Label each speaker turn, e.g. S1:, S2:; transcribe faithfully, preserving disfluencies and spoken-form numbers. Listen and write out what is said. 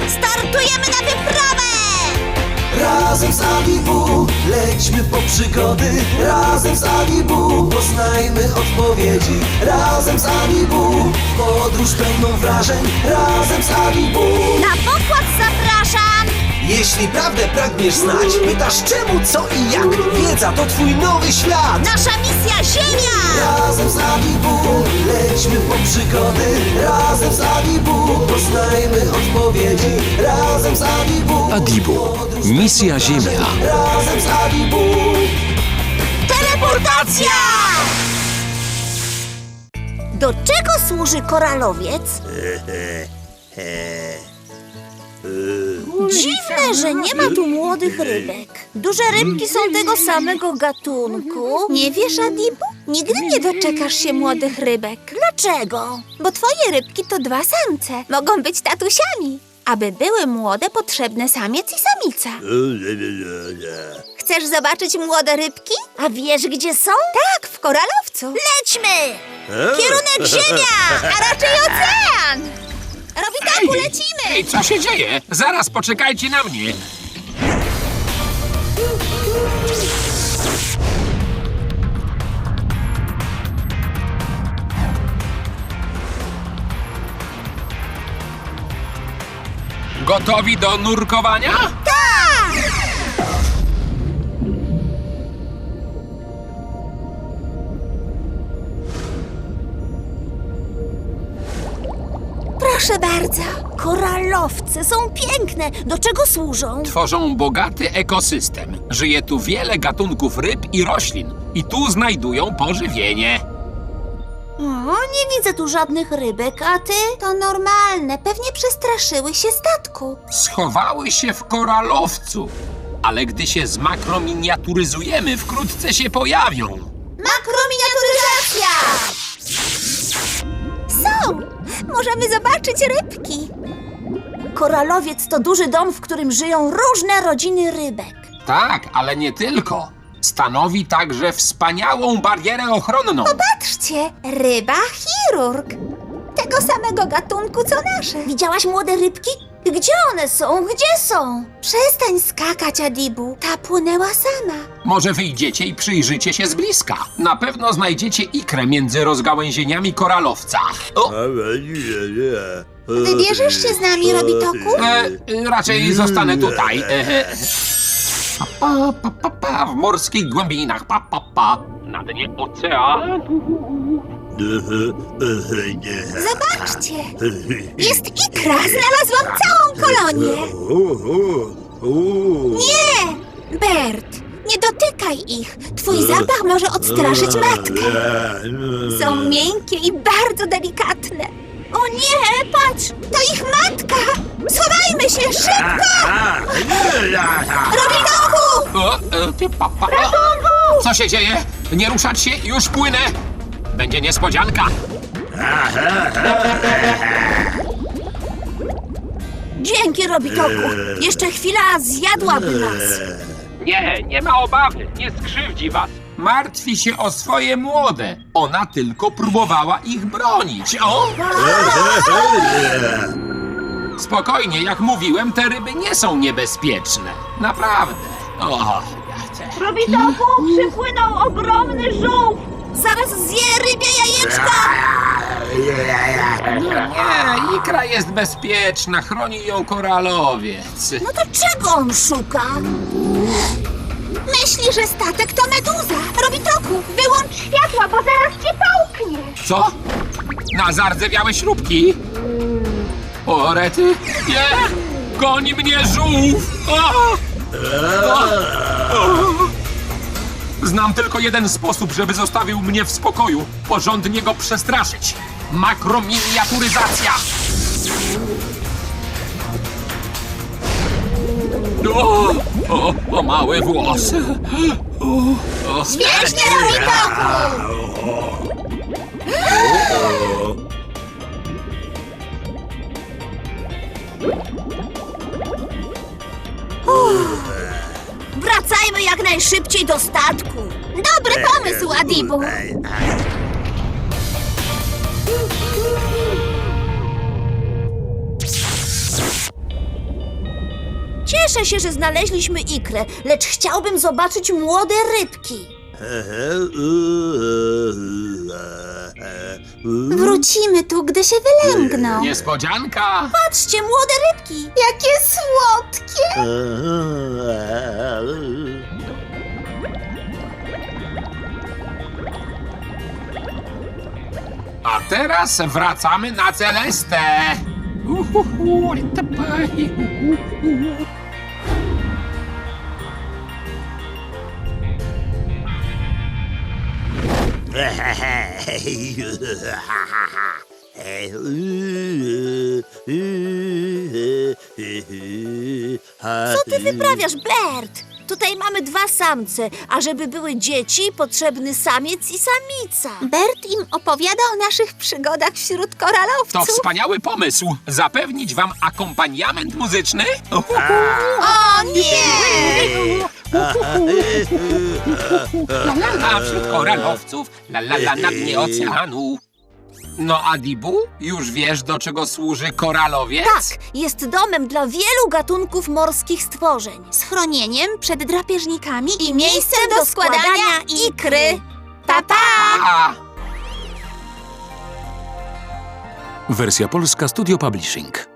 S1: Startujemy na wyprawę!
S2: Razem z Adibu lećmy po przygody. Razem z Adibu poznajmy odpowiedzi. Razem z Adibu podróż pełną wrażeń. Razem z Adibu.
S1: Na pokład zapraszam!
S2: Jeśli prawdę pragniesz znać, pytasz czemu, co i jak. Wiedza to twój nowy świat.
S1: Nasza misja Ziemia!
S2: Razem z Adibu lećmy po przygody. Razem z Adibu poznajmy odpowiedzi. Razem z Adibu.
S3: Adibu. Misja Ziemia.
S2: Razem z Adibu.
S1: Teleportacja! Do czego służy koralowiec? Dziwne, że nie ma tu młodych rybek. Duże rybki są tego samego gatunku.
S4: Nie wiesz, Adibu? Nigdy nie doczekasz się młodych rybek.
S1: Dlaczego?
S4: Bo twoje rybki to dwa samce. Mogą być tatusiami. Aby były młode, potrzebne samiec i samica. Chcesz zobaczyć młode rybki?
S1: A wiesz, gdzie są?
S4: Tak, w koralowcu.
S1: Lećmy! Kierunek Ziemia, a raczej ocean!
S4: Robitaku, lecimy!
S5: Ej, co się dzieje? Zaraz poczekajcie na mnie. Gotowi do nurkowania?
S4: Proszę bardzo.
S1: Koralowce są piękne. Do czego służą?
S5: Tworzą bogaty ekosystem. Żyje tu wiele gatunków ryb i roślin. I tu znajdują pożywienie.
S1: O, nie widzę tu żadnych rybek, a ty?
S4: To normalne. Pewnie przestraszyły się statku.
S5: Schowały się w koralowcu. Ale gdy się zmakrominiaturyzujemy, wkrótce się pojawią.
S1: Makrominiaturyzacja!
S4: Są! Możemy zobaczyć rybki.
S1: Koralowiec to duży dom, w którym żyją różne rodziny rybek.
S5: Tak, ale nie tylko. Stanowi także wspaniałą barierę ochronną.
S4: Patrzcie, ryba chirurg. Tego samego gatunku co nasze.
S1: Widziałaś młode rybki? Gdzie one są? Gdzie są?
S4: Przestań skakać, Adibu. Ta płynęła sama.
S5: Może wyjdziecie i przyjrzycie się z bliska. Na pewno znajdziecie ikrę między rozgałęzieniami koralowca. O,
S4: Wybierzesz się z nami, Robitoku?
S5: e, raczej zostanę tutaj. E, pa, pa, pa, pa, w morskich głębinach. Pa, pa, pa. Na dnie oceanu.
S4: Zobaczcie! Jest ikra! Znalazłam całą kolonię! Nie! Bert, nie dotykaj ich! Twój zapach może odstraszyć matkę. Są miękkie i bardzo delikatne. O nie, patrz! To ich matka! Schowajmy się, szybko! Robitoku!
S5: O, e, pa, pa. Co się dzieje? Nie ruszać się, już płynę. Będzie niespodzianka.
S1: Dzięki, Robitoku. Jeszcze chwila zjadłaby nas.
S5: Nie, nie ma obawy, nie skrzywdzi was. Martwi się o swoje młode. Ona tylko próbowała ich bronić. O! Spokojnie, jak mówiłem, te ryby nie są niebezpieczne. Naprawdę. O, ja cię-
S1: Robitoku, przypłynął ogromny żółw. Zaraz zje rybie jajeczka.
S5: Nie, ikra jest bezpieczna, chroni ją koralowiec.
S1: No to czego on szuka?
S4: Myśli, że statek to meduza. Robitoku, wyłącz światła, bo zaraz cię połknie.
S5: Co? Na zardzewiałe śrubki? O, rety? Nie! Goni mnie żółw! O! O! O! Znam tylko jeden sposób, żeby zostawił mnie w spokoju. Porządnie go przestraszyć. Makrominiaturyzacja! O, o, o małe włosy. O, o.
S4: Świetnie, Robitoku!
S1: Wracajmy jak najszybciej do statku.
S4: Dobry pomysł, Adibu.
S1: Cieszę się, że znaleźliśmy ikrę, lecz chciałbym zobaczyć młode rybki.
S4: Wrócimy tu, gdy się wylęgną.
S5: Niespodzianka!
S1: Patrzcie, młode rybki!
S4: Jakie słodkie!
S5: A teraz wracamy na Celestę. Uhuhu, litapaj, uhuhu.
S1: Co ty wyprawiasz, Bert? Tutaj mamy dwa samce, a żeby były dzieci, potrzebny samiec i samica.
S4: Bert im opowiada o naszych przygodach wśród koralowców.
S5: To wspaniały pomysł. Zapewnić wam akompaniament muzyczny?
S4: O nie!
S5: La la la wśród koralowców, la la la na dnie oceanu. No Adibu, już wiesz, do czego służy koralowiec?
S1: Tak, jest domem dla wielu gatunków morskich stworzeń.
S4: Schronieniem przed drapieżnikami i,
S1: I miejscem do składania ikry. Pa, pa!
S5: A,
S3: Wersja polska Studio Publishing.